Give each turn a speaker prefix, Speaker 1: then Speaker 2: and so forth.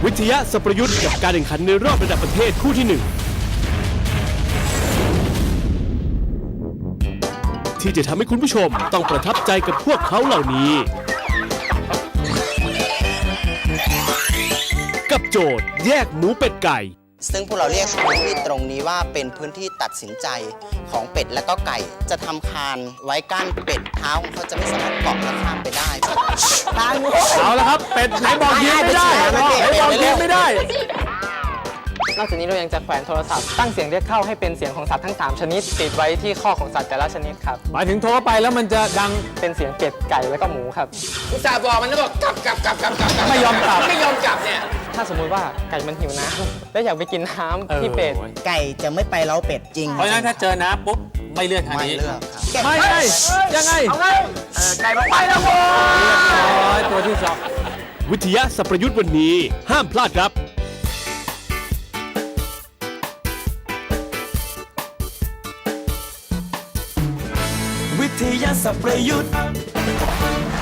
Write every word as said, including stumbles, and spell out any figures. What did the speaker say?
Speaker 1: วิทยาสัพยุทธ์กับการแข่งขันในรอบระดับประเทศคู่ที่หนึ่งที่จะทำให้คุณผู้ชมต้องประทับใจกับพวกเขาเหล่านี้กับโจทย์แยกหมูเป็ดไก่
Speaker 2: ซึ่งพวกเราเรียกพื้นที่ตรงนี้ว่าเป็นพื้นที่ตัดสินใจของเป็ดและก็ไก่จะทำคานไว้กั้นเป็ดเท้าของเขาจะไม่สามารถเกาะและข้ามไปได้ทาง
Speaker 1: เอาละครับเป็ดไหนบอกยิ้มไม่ได้ไหนบอกยิ้มไม่ได้
Speaker 3: นอกจากนี้เรายังจะแขวนโทรศัพท์ตั้งเสียงเรียกเข้าให้เป็นเสียงของสัตว์ทั้งสามชนิดติดไว้ที่ข้อของสัตว์แต่ละชนิดครับ
Speaker 1: หมายถึงโทรไปแล้วมันจะดัง
Speaker 3: เป็นเสียงเป็ดไก่แล้วก็หมูครับ
Speaker 4: อุตส่าห์บอกมันแล้วบอกกลับกลับกลับกลับกลับ
Speaker 1: ไม่ยอมกลับ
Speaker 4: ไม่ยอมกลับเนี่ย
Speaker 3: ถ้าสมมุติว่าไก่มันหิวน้ำและอยากไปกินน้ำที่เป็ด
Speaker 2: ไก่จะไม่ไปเล้าเป็ดจริง
Speaker 5: เพราะฉะนั้นถ้าเจอน้ำปุ๊บไม่เลือกทางนี้
Speaker 2: ไม่เลือกครับ
Speaker 1: ไม่ไงยังไง
Speaker 4: เอาไงไก่มันไปแล้วโว้
Speaker 1: ยตัวที่สองวิทยาสัพยุทธ์วันนี้ห้ามพลาดครับ
Speaker 6: วิทยาสัพยุทธ์